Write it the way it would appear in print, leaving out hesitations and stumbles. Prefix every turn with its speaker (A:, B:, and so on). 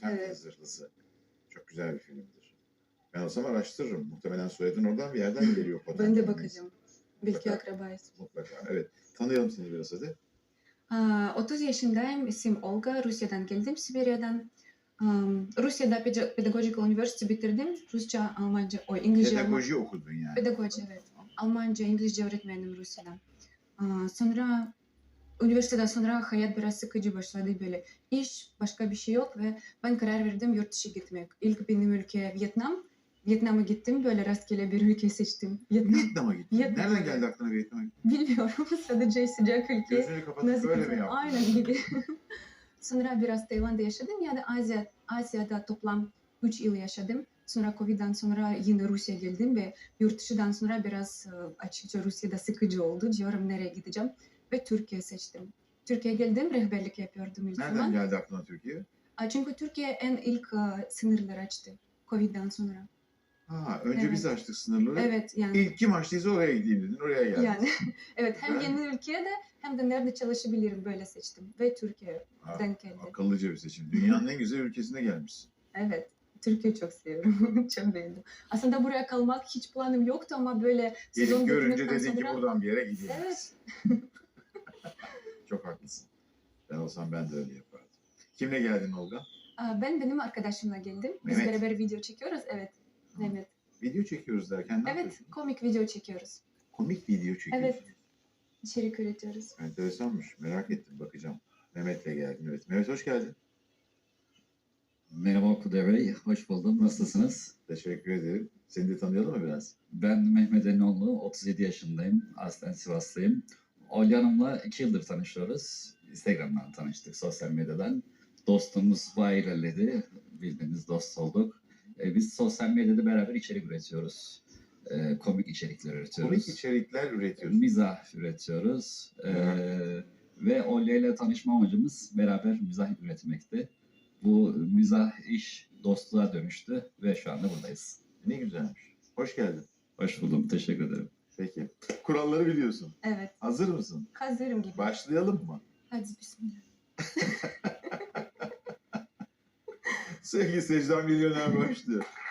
A: Potemkin
B: Evet.
A: Zırhlısı. Çok güzel bir filmdir. Ben olsam araştırırım. Muhtemelen soyadın oradan bir yerden geliyor Potemkin.
B: Ben de bakacağım. Belki
A: Mutlaka.
B: akrabayız.
A: Mutlaka. Evet. Tanıyalım seni biraz hadi.
B: 30 yaşındayım. İsim Olga. Rusya'dan geldim. Sibirya'dan. Rusya'da Pedagogical University bitirdim. Rusça, Almanca, İngilizce,
A: Pedagoji okudun yani.
B: Pedagoji, evet. Almanca, İngilizce öğretmenim Rusya'dan. Sonra üniversiteden sonra hayat biraz sıkıcı başladı böyle. İş, başka bir şey yok ve ben karar verdim yurt dışı gitmek. İlk benim ülke Vietnam. Vietnam'a gittim. Böyle rastgele bir ülke seçtim.
A: Vietnam'a gittin.
B: Vietnam,
A: Nereden
B: evet.
A: geldi aklına Vietnam'a gittin?
B: Bilmiyorum. Sadece sıcak ülke.
A: Gözünü kapatıp
B: Nazik
A: böyle mi
B: insan.
A: yaptın?
B: Aynen gibi. Sonra biraz Tayland'da yaşadım. Yani Asya'da toplam 3 yıl yaşadım. Sonra Covid'den sonra yine Rusya'ya geldim ve yurt dışından sonra biraz açıkça Rusya'da sıkıcı oldu. Diyorum nereye gideceğim ve Türkiye seçtim. Türkiye'ye geldim, rehberlik yapıyordum ilk
A: Nereden
B: zaman.
A: geldi aklına Türkiye?
B: Çünkü Türkiye en ilk sınırları açtı Covid'den sonra.
A: Önce
B: Evet.
A: biz açtık sınırları.
B: Evet yani.
A: İlk kim açtıysa oraya gideyim dedin. Oraya geldin.
B: Yani evet, hem
A: Güzel.
B: yeni ülkede hem de nerede çalışabilirim böyle seçtim ve Türkiye'den geldi.
A: Akıllıca bir seçim. Dünyanın en güzel ülkesine gelmişsin.
B: Evet, Türkiye'yi çok seviyorum. Çok beğendim. Aslında buraya kalmak hiç planım yoktu ama böyle sezon
A: Gelip görünce
B: bitmekten
A: dedin ki
B: sonra...
A: buradan bir yere gideyim.
B: Evet.
A: Çok haklısın. Ben olsam ben de öyle yapardım. Kimle geldin Olga?
B: Benim arkadaşımla geldim. Biz
A: Mehmet.
B: beraber video çekiyoruz. Evet. Mehmet.
A: Video çekiyoruz derken ne
B: Evet,
A: yapıyorsun?
B: komik video çekiyoruz.
A: Komik video çekiyorsun.
B: Evet. İçerik üretiyoruz.
A: Enteresanmış. Merak ettim. Bakacağım. Mehmet'le geldin. Evet. Mehmet hoş geldin.
C: Merhaba Kudret Bey, hoş buldum. Nasılsınız?
A: Teşekkür ederim. Seni de tanıyalım mı biraz?
C: Ben Mehmet Eninoğlu, 37 yaşındayım. Aslen Sivaslıyım. Olya Hanım'la 2 yıldır tanışıyoruz. Instagram'dan tanıştık, sosyal medyadan. Dostluğumuz bayağı ilerledi. Bildiğiniz dost olduk. Biz sosyal medyada beraber içerik üretiyoruz. Komik içerikler üretiyoruz.
A: Komik içerikler üretiyorsun.
C: Mizah üretiyoruz. Ve Olya ile tanışma amacımız beraber mizah üretmekti. Bu mizah iş dostluğa dönüştü ve şu anda buradayız.
A: Ne güzelmiş. Hoş geldin.
C: Hoş buldum, teşekkür ederim.
A: Peki. Kuralları biliyorsun.
B: Evet.
A: Hazır mısın?
B: Hazırım gibi.
A: Başlayalım mı?
B: Hadi bismillah.
A: Sevgili seyirciler, milyoner başlıyor.